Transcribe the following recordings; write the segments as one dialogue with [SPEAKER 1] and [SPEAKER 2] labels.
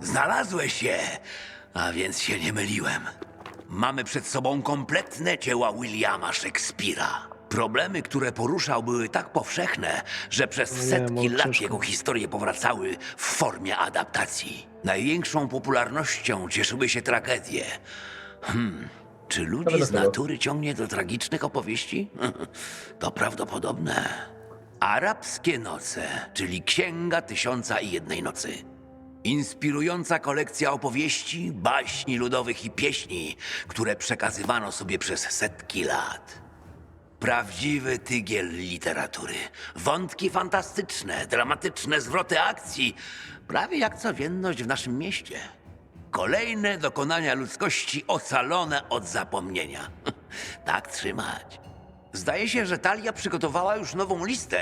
[SPEAKER 1] Znalazłeś je, a więc się nie myliłem. Mamy przed sobą kompletne dzieła Williama Shakespeare'a. Problemy, które poruszał, były tak powszechne, że przez setki lat
[SPEAKER 2] ciężko.
[SPEAKER 1] jego historie powracały w formie adaptacji. Największą popularnością cieszyły się tragedie. Czy ludzi z natury ciągnie do tragicznych opowieści? To prawdopodobne. Arabskie noce, czyli Księga Tysiąca i Jednej Nocy. Inspirująca kolekcja opowieści, baśni ludowych i pieśni, które przekazywano sobie przez setki lat. Prawdziwy tygiel literatury. Wątki fantastyczne, dramatyczne zwroty akcji, prawie jak codzienność w naszym mieście. Kolejne dokonania ludzkości ocalone od zapomnienia. Tak trzymać. Zdaje się, że Talia przygotowała już nową listę.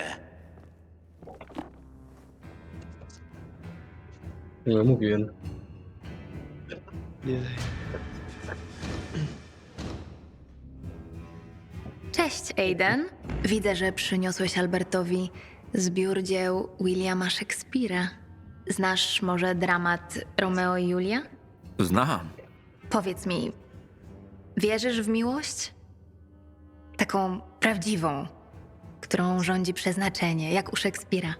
[SPEAKER 3] No, mówiłem.
[SPEAKER 2] Nie.
[SPEAKER 4] Cześć, Aiden. Widzę, że przyniosłeś Albertowi zbiór dzieł Williama Shakespeare'a. Znasz może dramat Romeo i Julia?
[SPEAKER 5] Znam.
[SPEAKER 4] Powiedz mi, wierzysz w miłość? Taką prawdziwą, którą rządzi przeznaczenie, jak u Szekspira.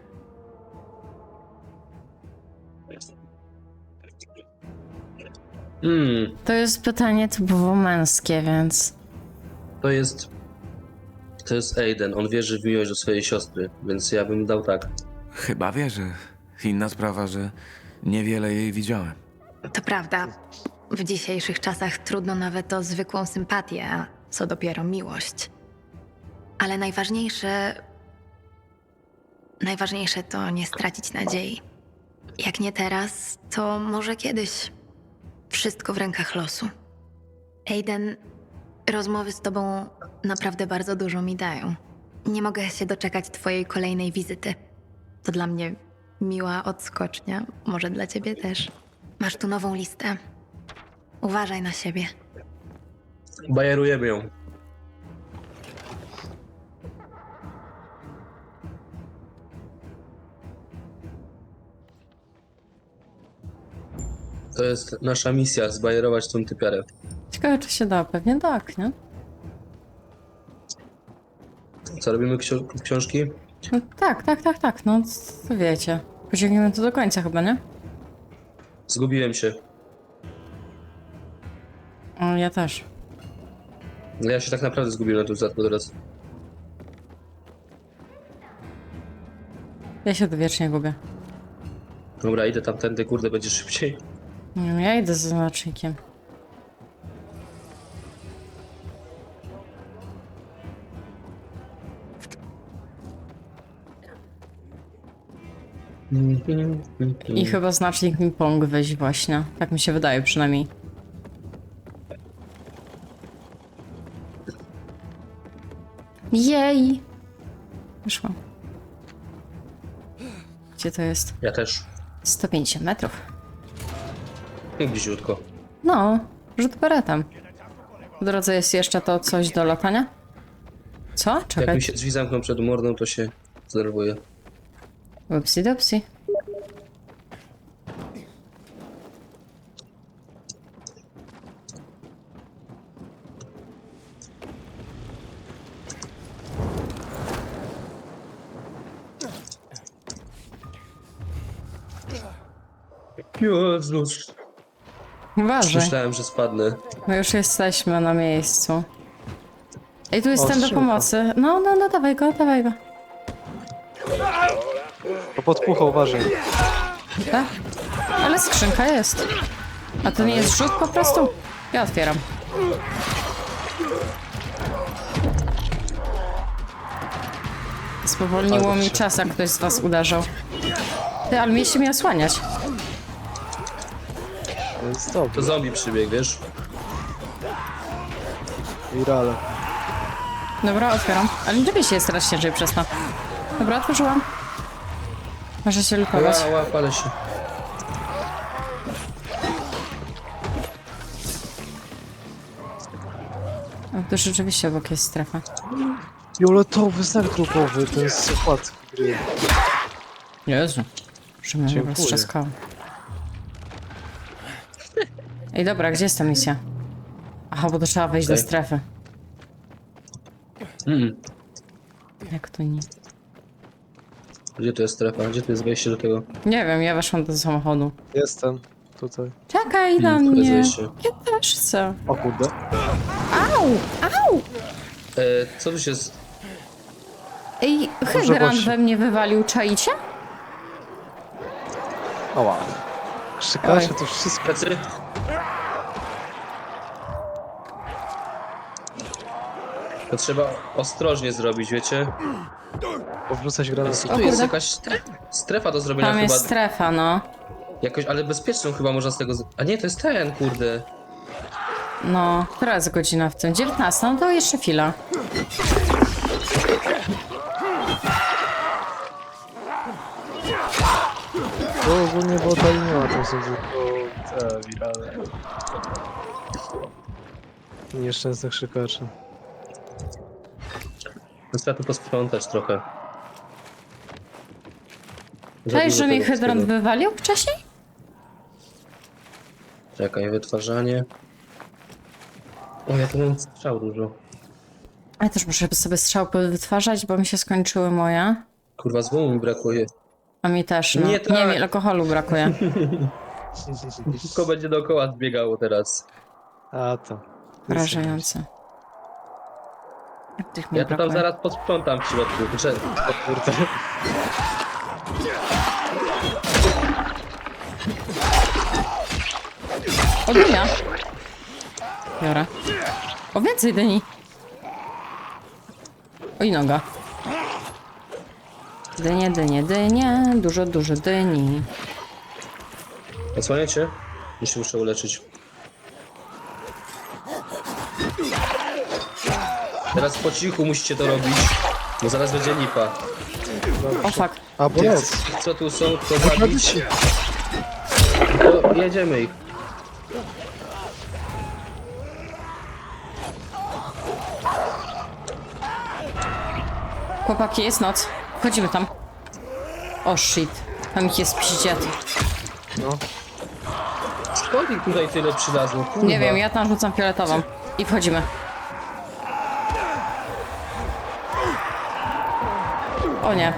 [SPEAKER 6] To jest pytanie typowo męskie, więc...
[SPEAKER 3] To jest Aiden. On wierzy w miłość do swojej siostry, więc ja bym dał tak.
[SPEAKER 5] Chyba wierzę. Inna sprawa, że niewiele jej widziałem.
[SPEAKER 4] To prawda, w dzisiejszych czasach trudno nawet o zwykłą sympatię, a co dopiero miłość. Ale najważniejsze to nie stracić nadziei. Jak nie teraz, to może kiedyś. Wszystko w rękach losu. Aiden, rozmowy z tobą naprawdę bardzo dużo mi dają. Nie mogę się doczekać twojej kolejnej wizyty. To dla mnie miła odskocznia, może dla ciebie też. Masz tu nową listę. Uważaj na siebie.
[SPEAKER 3] Bajerujemy ją. To jest nasza misja, zbajerować tą typiarę.
[SPEAKER 6] Ciekawe, czy się da. Pewnie tak, nie?
[SPEAKER 3] Co, robimy książki?
[SPEAKER 6] No, tak. No, to wiecie. Pociągniemy to do końca chyba, nie?
[SPEAKER 3] Zgubiłem się.
[SPEAKER 6] O, ja też.
[SPEAKER 3] Ja się tak naprawdę zgubiłem na tym statku teraz.
[SPEAKER 6] Ja się to wiecznie gubię.
[SPEAKER 3] Dobra, idę tamtędy, kurde, będzie szybciej.
[SPEAKER 6] Nie wiem, ja idę z znacznikiem. I chyba znacznik mi pomógł wyjść właśnie. Tak mi się wydaje przynajmniej. Jej! Wyszłam. Gdzie to jest?
[SPEAKER 3] Ja też.
[SPEAKER 6] 150 metrów.
[SPEAKER 3] Bliziutko.
[SPEAKER 6] No, rzut beretem. W drodze jest jeszcze to coś do latania? Co?
[SPEAKER 3] Jak
[SPEAKER 6] Czekaj.
[SPEAKER 3] mi się drzwi zamkną przed mordą, to się zdenerwuję.
[SPEAKER 6] Upsi dopsi.
[SPEAKER 3] Jezus.
[SPEAKER 6] Uważaj,
[SPEAKER 3] Myślałem, że spadnę.
[SPEAKER 6] my już jesteśmy na miejscu. Ej, tu jest
[SPEAKER 2] O,
[SPEAKER 6] ten do
[SPEAKER 2] strzałka.
[SPEAKER 6] pomocy. No, dawaj go.
[SPEAKER 2] To podpucha, uważaj.
[SPEAKER 6] Tak? Ale skrzynka jest. A to nie jest rzut po prostu? Ja otwieram. Spowolniło mi czas, jak ktoś z was uderzał. Ty, ale mieliście mnie osłaniać.
[SPEAKER 2] To jest dobrze.
[SPEAKER 3] To zombie przybiegł, wiesz?
[SPEAKER 2] Virale.
[SPEAKER 6] Dobra, otwieram. Ale nie się jest teraz ciężej przez to. Dobra, otworzyłam. Może się lukować.
[SPEAKER 3] Ła, palę się.
[SPEAKER 6] O, tu rzeczywiście obok jest strefa.
[SPEAKER 2] Fioletowy znak grupowy, to jest okładki gry.
[SPEAKER 6] Jezu. Że mnie
[SPEAKER 2] Dziękuję.
[SPEAKER 6] roztrzaskało. Ej, dobra, gdzie jest ta misja? Aha, bo to trzeba wejść do
[SPEAKER 3] Okej.
[SPEAKER 6] strefy.
[SPEAKER 3] Mm.
[SPEAKER 6] Jak to nie?
[SPEAKER 3] Gdzie tu jest strefa? Gdzie tu jest wejście do tego?
[SPEAKER 6] Nie wiem, ja weszłam do samochodu.
[SPEAKER 2] Jestem. Tutaj.
[SPEAKER 6] Czekaj na
[SPEAKER 3] to jest
[SPEAKER 6] mnie.
[SPEAKER 3] wejście.
[SPEAKER 6] Ja też chcę.
[SPEAKER 2] O kurde.
[SPEAKER 6] Au! Au!
[SPEAKER 3] Co tu się... z-
[SPEAKER 6] Ej,
[SPEAKER 2] Może
[SPEAKER 6] hydrant
[SPEAKER 2] właśnie.
[SPEAKER 6] we mnie wywalił, czaicie?
[SPEAKER 2] O wow. Krzykacze
[SPEAKER 6] Oj.
[SPEAKER 2] to wszystko.
[SPEAKER 3] Plecy? To trzeba ostrożnie zrobić, wiecie?
[SPEAKER 2] Powrzucać granaty.
[SPEAKER 3] Tu jest
[SPEAKER 6] kurde.
[SPEAKER 3] jakaś strefa do zrobienia
[SPEAKER 6] Tam
[SPEAKER 3] chyba.
[SPEAKER 6] jest strefa, no.
[SPEAKER 3] Jakoś, ale bezpieczną chyba można z tego... A nie, to jest ten, kurde.
[SPEAKER 6] No, która jest godzina w tym? 19, no to jeszcze chwila.
[SPEAKER 2] To ogólnie było ta linia, to są tylko te wirale. Nieszczęsnych krzykaczy.
[SPEAKER 3] No trzeba tu posprzątać trochę. Za
[SPEAKER 6] Cześć,
[SPEAKER 3] dużo
[SPEAKER 6] że mi
[SPEAKER 3] tego
[SPEAKER 6] hydrant
[SPEAKER 3] wszystkiego.
[SPEAKER 6] wywalił wcześniej?
[SPEAKER 3] Czekaj, wytwarzanie. O, ja tu mam strzał dużo.
[SPEAKER 6] Ja też muszę sobie strzałpy wytwarzać, bo mi się skończyły moje.
[SPEAKER 3] Kurwa, złomu mi brakuje.
[SPEAKER 6] A mi też, no.
[SPEAKER 3] Nie
[SPEAKER 6] Nie,
[SPEAKER 3] tak.
[SPEAKER 6] mi alkoholu brakuje.
[SPEAKER 3] Wszystko będzie dookoła zbiegało teraz.
[SPEAKER 2] A to.
[SPEAKER 6] Wrażające. Jak tych mi
[SPEAKER 3] Ja to tam
[SPEAKER 6] brakuje?
[SPEAKER 3] zaraz posprzątam w środku. Znaczy,
[SPEAKER 2] O kurde.
[SPEAKER 6] O, dynia. Biorę. O, więcej dyni. O, i noga. Dynie, dynie, dynie. Dużo, dużo dyni.
[SPEAKER 3] odsłaniacie? Już się muszę uleczyć. Teraz po cichu musicie to robić, bo zaraz będzie lipa.
[SPEAKER 6] O, fuck.
[SPEAKER 2] A, bo
[SPEAKER 3] Tych,
[SPEAKER 2] noc.
[SPEAKER 3] co tu są, to zabić. To jedziemy ich.
[SPEAKER 6] Chłopaki, jest noc. Wchodzimy tam. O, shit. Tam ich jest piździet.
[SPEAKER 2] No.
[SPEAKER 3] Skąd ich tutaj tyle przylazło? Kurwa.
[SPEAKER 6] Nie wiem, ja tam rzucam fioletową. I wchodzimy. O nie.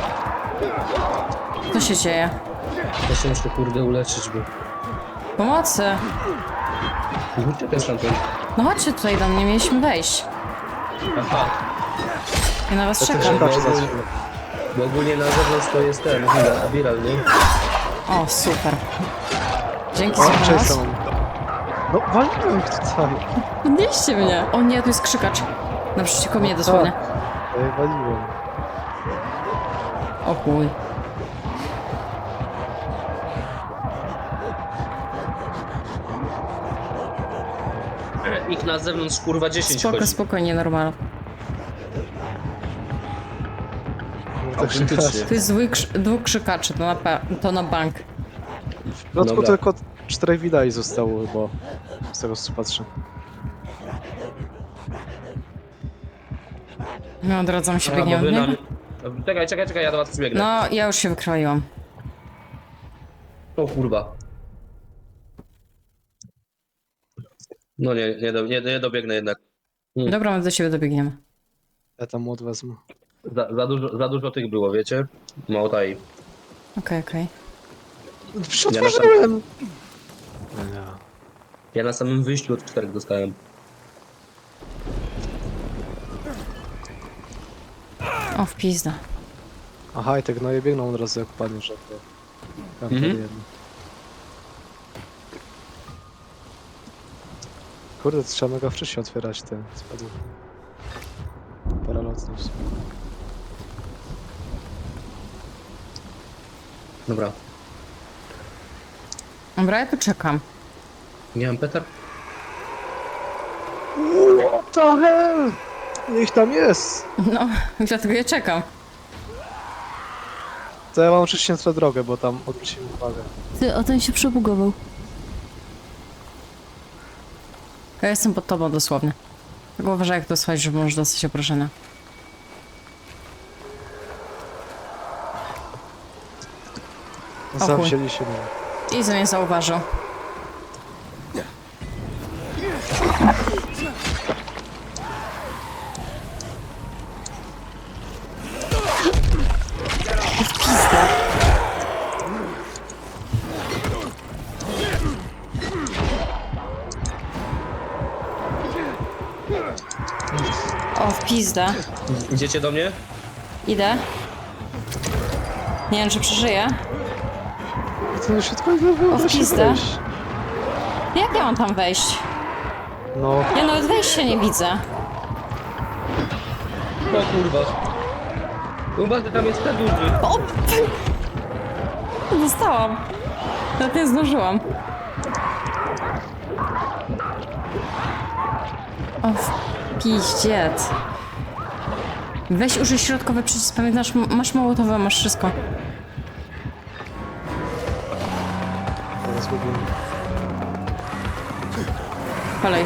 [SPEAKER 6] Co się dzieje?
[SPEAKER 3] Ja się muszę kurde uleczyć, bo...
[SPEAKER 6] Pomocy!
[SPEAKER 3] Uciekaj stamtąd.
[SPEAKER 6] No chodźcie tutaj do mnie, mieliśmy wejść.
[SPEAKER 3] Aha,
[SPEAKER 6] Ja na was
[SPEAKER 2] To
[SPEAKER 6] czekam.
[SPEAKER 2] krzykacze za chwilę.
[SPEAKER 3] bo ogólnie na zewnątrz to jest ten, viral, nie?
[SPEAKER 6] O, super. Dzięki
[SPEAKER 2] O,
[SPEAKER 6] za
[SPEAKER 2] cześć
[SPEAKER 6] pomoc.
[SPEAKER 2] samą. No, waliłem ich tutaj.
[SPEAKER 6] Podnieście mnie. O nie, tu jest krzykacz. Naprzeciwko mnie dosłownie.
[SPEAKER 2] Ej, waliłem.
[SPEAKER 6] O chuj.
[SPEAKER 3] Ich na zewnątrz kurwa 10
[SPEAKER 6] Spoko,
[SPEAKER 3] chodzi.
[SPEAKER 6] spokojnie, normal.
[SPEAKER 2] No, te
[SPEAKER 3] Autentycznie.
[SPEAKER 2] krzykacze.
[SPEAKER 6] Tu jest dwóch krzykaczy, to na bank.
[SPEAKER 2] W środku
[SPEAKER 3] Dobra.
[SPEAKER 2] tylko 4 widali zostało chyba. Z tego co patrzę.
[SPEAKER 6] No, odradzam się,
[SPEAKER 3] A, bo
[SPEAKER 6] biegniemy
[SPEAKER 3] wy
[SPEAKER 6] w
[SPEAKER 3] na...
[SPEAKER 6] niego.
[SPEAKER 3] Czekaj, ja do was przybiegnę.
[SPEAKER 6] No, ja już się wykroiłam.
[SPEAKER 3] O kurwa. No nie dobiegnę jednak.
[SPEAKER 6] Dobra, my do siebie dobiegniemy.
[SPEAKER 2] Ja tam młot wezmę.
[SPEAKER 3] Za dużo tych było, wiecie? Mało taj.
[SPEAKER 6] Okej, okej.
[SPEAKER 2] Otworzyłem! No nie.
[SPEAKER 3] Ja na samym wyjściu od 4 dostałem.
[SPEAKER 6] O, w pizda.
[SPEAKER 2] Aha, i te gnoje biegną od razu jak padnie, że to... Tam
[SPEAKER 3] Mhm.
[SPEAKER 2] jedno. Kurde, to trzeba mega wcześnie otwierać te spadły. Paralotnie.
[SPEAKER 3] Dobra.
[SPEAKER 6] Dobra, ja tu czekam.
[SPEAKER 3] Nie mam petar?
[SPEAKER 2] What the hell? Niech tam jest!
[SPEAKER 6] No, dlatego ja czekam.
[SPEAKER 2] To ja mam oczywiście na drogę, bo tam odwróciłem uwagę.
[SPEAKER 6] Ty, o ten się przebugował. Ja jestem pod tobą dosłownie. Tak uważaj, jak to słuchać, że możesz dostać oproszenia.
[SPEAKER 2] Sam
[SPEAKER 6] chuj.
[SPEAKER 2] wzięli się mnie.
[SPEAKER 6] I mnie zauważył. Pizda.
[SPEAKER 3] Idziecie do mnie?
[SPEAKER 6] Idę. Nie wiem, czy przeżyję.
[SPEAKER 2] To się tylko nie
[SPEAKER 6] O, w pizdę.
[SPEAKER 2] wejść.
[SPEAKER 6] Jak ja mam tam wejść?
[SPEAKER 2] No,
[SPEAKER 6] Ja nawet wejścia nie widzę.
[SPEAKER 3] O kurwa. Uważaj, tam jest ten duży.
[SPEAKER 6] O! Dostałam. Nawet nie zdążyłam. O, piździec. Weź użyj środkowy przycisk, pamiętasz, masz mołotowe, masz wszystko.
[SPEAKER 2] teraz zgubiłem.
[SPEAKER 6] Kolej.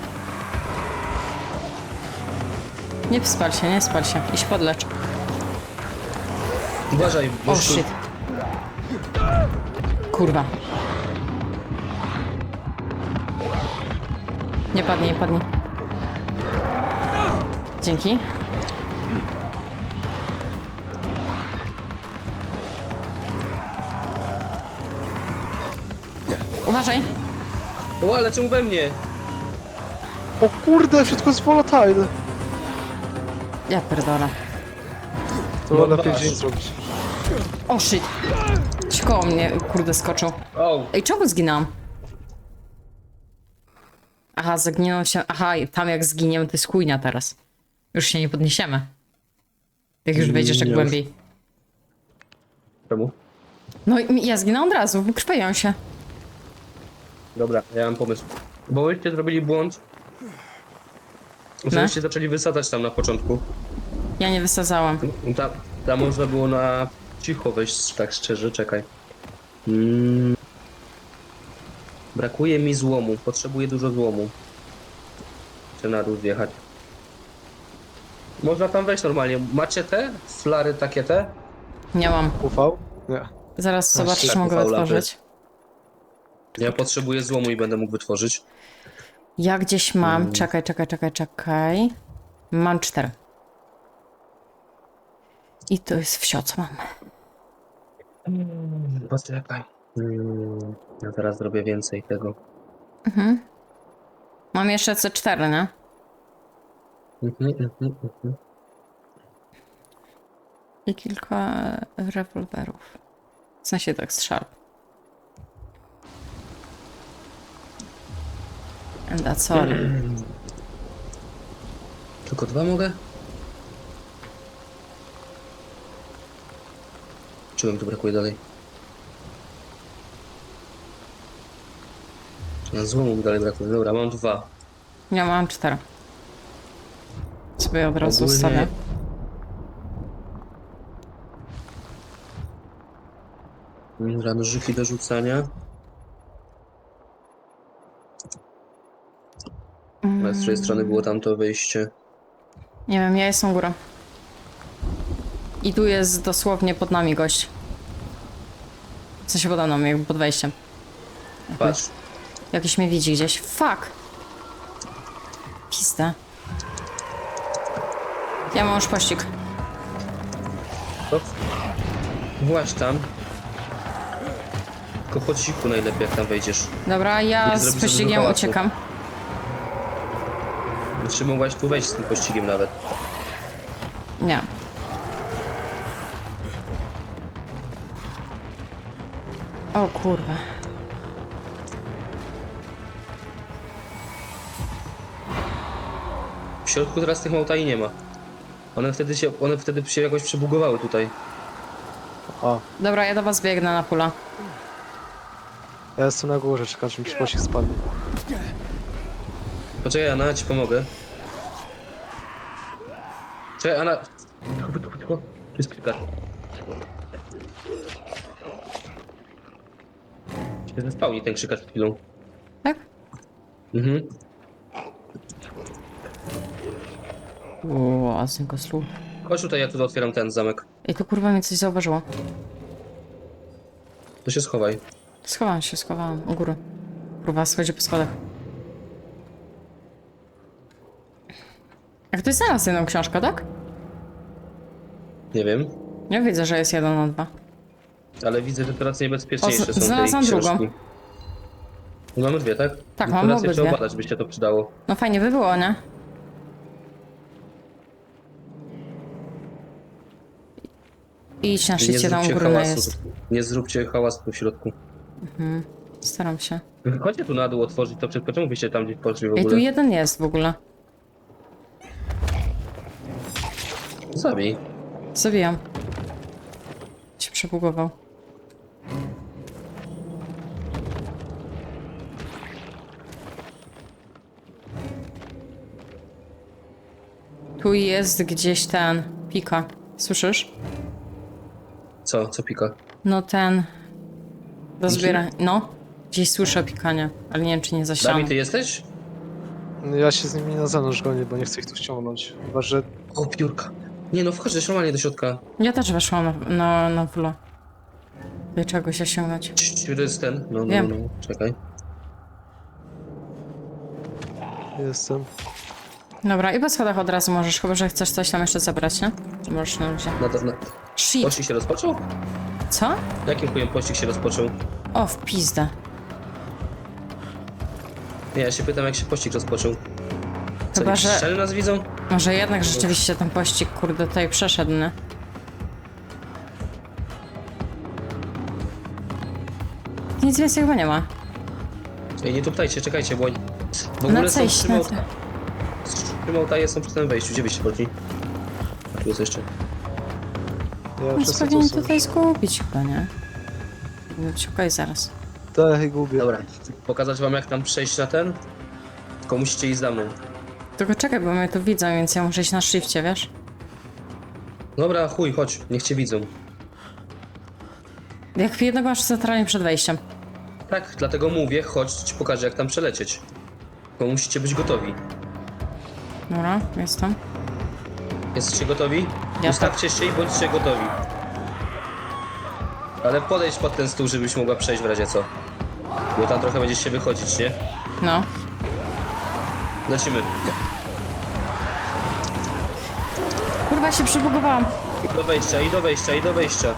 [SPEAKER 6] Nie spal się, nie spal się. Iść podlecz.
[SPEAKER 3] Uważaj, bo
[SPEAKER 6] O, shit. Kurwa. Nie padnie, nie padnie. Dzięki. Uważaj.
[SPEAKER 3] O, ale czemu we mnie?
[SPEAKER 2] O kurde, wszystko jest volatile.
[SPEAKER 6] Ja pierdolę.
[SPEAKER 2] To
[SPEAKER 3] No
[SPEAKER 2] lepiej
[SPEAKER 3] masz.
[SPEAKER 2] dzień zrobić.
[SPEAKER 6] O, shit. Ci koło mnie, kurde, skoczył.
[SPEAKER 3] O,
[SPEAKER 6] Ej, czemu zginęłam? Aha, zaginęłam się... Aha, tam jak zginiemy, to jest chujnia teraz. Już się nie podniesiemy. Jak już wejdziesz tak
[SPEAKER 3] Nie.
[SPEAKER 6] głębiej.
[SPEAKER 3] czemu?
[SPEAKER 6] No i ja zginęłam od razu, krwawią się.
[SPEAKER 3] Dobra, ja mam pomysł. Bo wyście zrobili błąd.
[SPEAKER 6] No.
[SPEAKER 3] Żebyście zaczęli wysadzać tam na początku.
[SPEAKER 6] Ja nie wysadzałam.
[SPEAKER 3] Tam można było na cicho wejść, tak szczerze, czekaj. Brakuje mi złomu, potrzebuję dużo złomu. Chcę na dół zjechać. Można tam wejść normalnie. Macie te flary takie te?
[SPEAKER 6] Nie mam.
[SPEAKER 2] UV? Nie.
[SPEAKER 6] Zaraz zobaczę,
[SPEAKER 3] tak,
[SPEAKER 6] czy mogę
[SPEAKER 3] ufał
[SPEAKER 6] otworzyć.
[SPEAKER 3] Ja potrzebuję złomu i będę mógł wytworzyć.
[SPEAKER 6] Ja gdzieś mam... Czekaj. Mam 4. I to jest wsio, co mam.
[SPEAKER 3] Poczekaj. Ja teraz zrobię więcej tego.
[SPEAKER 6] Mam jeszcze C4, nie? I kilka rewolwerów. W sensie tak strzał. And that's all.
[SPEAKER 3] Tylko 2 mogę? Czego mi tu brakuje dalej? Złomu mi dalej brakuje. Dobra, mam 2.
[SPEAKER 6] Ja mam 4. Sobie od razu
[SPEAKER 3] Ogólnie-
[SPEAKER 6] ustawię.
[SPEAKER 3] Nożyki do rzucania. A z której strony było tamto wyjście?
[SPEAKER 6] Nie wiem, ja jestem górą. I tu jest dosłownie pod nami gość. W sensie pod mną, jakby pod wejściem.
[SPEAKER 3] Patrz.
[SPEAKER 6] Jakiś mnie widzi gdzieś. Fuck! Pizda. Ja mam już pościg.
[SPEAKER 3] Hop. Właź tam. Tylko po cichu najlepiej, jak tam wejdziesz.
[SPEAKER 6] Dobra, ja
[SPEAKER 3] Nie
[SPEAKER 6] z
[SPEAKER 3] zrobisz za
[SPEAKER 6] pościgiem
[SPEAKER 3] dużo hałasu.
[SPEAKER 6] uciekam.
[SPEAKER 3] Czy mogłaś tu wejść z tym pościgiem nawet?
[SPEAKER 6] Nie. O kurwa.
[SPEAKER 3] W środku teraz tych małtaj nie ma. One wtedy się jakoś przebugowały tutaj.
[SPEAKER 2] A,
[SPEAKER 6] Dobra, ja do was biegnę na pula.
[SPEAKER 2] ja jestem na górze, czekam, czy mi przypadek spadnie.
[SPEAKER 3] Poczekaj, Anna, ja ci pomogę. Czekaj, Anna. Cicho. Tu jest kilka. Się zespałni ten krzykacz przed chwilą.
[SPEAKER 6] Tak?
[SPEAKER 3] Mhm.
[SPEAKER 6] Uuu, asynko slu.
[SPEAKER 3] Chodź tutaj, ja tu otwieram ten zamek.
[SPEAKER 6] Ej, to kurwa mnie coś zauważyło.
[SPEAKER 3] To się schowaj.
[SPEAKER 6] Schowałam u góry. Kurwa, schodzi po schodach. Jak to jest znalazł jedną książkę, tak?
[SPEAKER 3] Nie wiem.
[SPEAKER 6] Nie widzę, że jest 1 na 2.
[SPEAKER 3] Ale widzę, że teraz niebezpieczniejsze
[SPEAKER 6] O,
[SPEAKER 3] są te
[SPEAKER 6] znalazłam
[SPEAKER 3] książki.
[SPEAKER 6] drugą.
[SPEAKER 3] No mamy 2, tak?
[SPEAKER 6] Tak,
[SPEAKER 3] No
[SPEAKER 6] mam
[SPEAKER 3] to raz je
[SPEAKER 6] obydwie.
[SPEAKER 3] trzeba badać, by się to przydało.
[SPEAKER 6] No fajnie by było, nie? Idź na
[SPEAKER 3] Nie
[SPEAKER 6] szczycie, tam u
[SPEAKER 3] zróbcie
[SPEAKER 6] góry
[SPEAKER 3] hałasu.
[SPEAKER 6] jest.
[SPEAKER 3] Nie zróbcie hałasu w środku.
[SPEAKER 6] Staram się.
[SPEAKER 3] Chodźcie tu na dół otworzyć to wszystko. Czemu byście tam gdzieś poszli w
[SPEAKER 6] Ej, tu
[SPEAKER 3] ogóle?
[SPEAKER 6] jeden jest w ogóle.
[SPEAKER 3] Zabij.
[SPEAKER 6] Zabijam. Się przebugował. Tu jest gdzieś ten pika. Słyszysz?
[SPEAKER 3] Co? Co pika?
[SPEAKER 6] No ten. Do zbierania. No. Gdzieś słyszę pikanie, ale nie wiem czy nie za ścianą.
[SPEAKER 3] Dami, ty jesteś?
[SPEAKER 2] Ja się z nimi na zewnątrz gonię, bo nie chcę ich tu ściągnąć. Chyba, że
[SPEAKER 3] O, piórka. Nie no, wchodź normalnie do środka.
[SPEAKER 6] Ja też weszłam na wlo. Do czegoś osiągnąć.
[SPEAKER 3] To jest ten. No,
[SPEAKER 6] Wiem.
[SPEAKER 3] no. Czekaj.
[SPEAKER 2] jestem.
[SPEAKER 6] Dobra, i po schodach od razu możesz, chyba że chcesz coś tam jeszcze zabrać, nie? To możesz na luzie.
[SPEAKER 3] Na
[SPEAKER 6] Shit!
[SPEAKER 3] Pościg się rozpoczął?
[SPEAKER 6] Co?
[SPEAKER 3] Jakim chujem pościg się rozpoczął?
[SPEAKER 6] O, w pizdę.
[SPEAKER 3] Nie, ja się pytam, jak się pościg rozpoczął. Co,
[SPEAKER 6] Chyba,
[SPEAKER 3] jakieś
[SPEAKER 6] że-
[SPEAKER 3] ściany nas widzą?
[SPEAKER 6] Może jednak rzeczywiście ten pościg, kurde, tutaj przeszedł, nie? Nic więcej chyba nie ma.
[SPEAKER 3] Ej, nie tuptajcie, czekajcie, bo... W
[SPEAKER 6] Na
[SPEAKER 3] ogóle są
[SPEAKER 6] cejść,
[SPEAKER 3] trzy
[SPEAKER 6] na
[SPEAKER 3] małtaje. Trzy małtaje są przy tym wejściu. Gdzie byście poszli? A tu jest jeszcze.
[SPEAKER 2] Ja
[SPEAKER 6] Więc
[SPEAKER 2] wszyscy
[SPEAKER 6] powinien
[SPEAKER 2] tu są.
[SPEAKER 6] tutaj zgubić chyba, nie? Powinno być okej zaraz.
[SPEAKER 2] Tak, gubię.
[SPEAKER 3] Dobra, pokazać wam jak tam przejść na ten? Tylko musicie iść za mną.
[SPEAKER 6] Tylko czekaj, bo mnie tu widzą, więc ja muszę iść na shifcie, wiesz?
[SPEAKER 3] Dobra, chuj, chodź, niech cię widzą.
[SPEAKER 6] Jak jednego masz centralnie przed wejściem.
[SPEAKER 3] Tak, dlatego mówię, chodź, ci pokażę jak tam przelecieć. Tylko musicie być gotowi.
[SPEAKER 6] Dobra, jestem.
[SPEAKER 3] Jesteście gotowi?
[SPEAKER 6] Ja
[SPEAKER 3] Ustawcie się i bądźcie gotowi. Ale podejdź pod ten stół, żebyś mogła przejść w razie co. Bo tam trochę będziesz się wychodzić, nie?
[SPEAKER 6] No.
[SPEAKER 3] Lecimy.
[SPEAKER 6] Kurwa, się przybugowałam.
[SPEAKER 3] I do wejścia, i do wejścia, i do wejścia.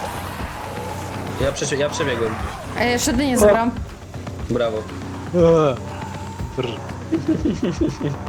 [SPEAKER 3] Ja przebiegłem.
[SPEAKER 6] A ja jeszcze dynię zabrałam.
[SPEAKER 3] Brawo.
[SPEAKER 2] Brr.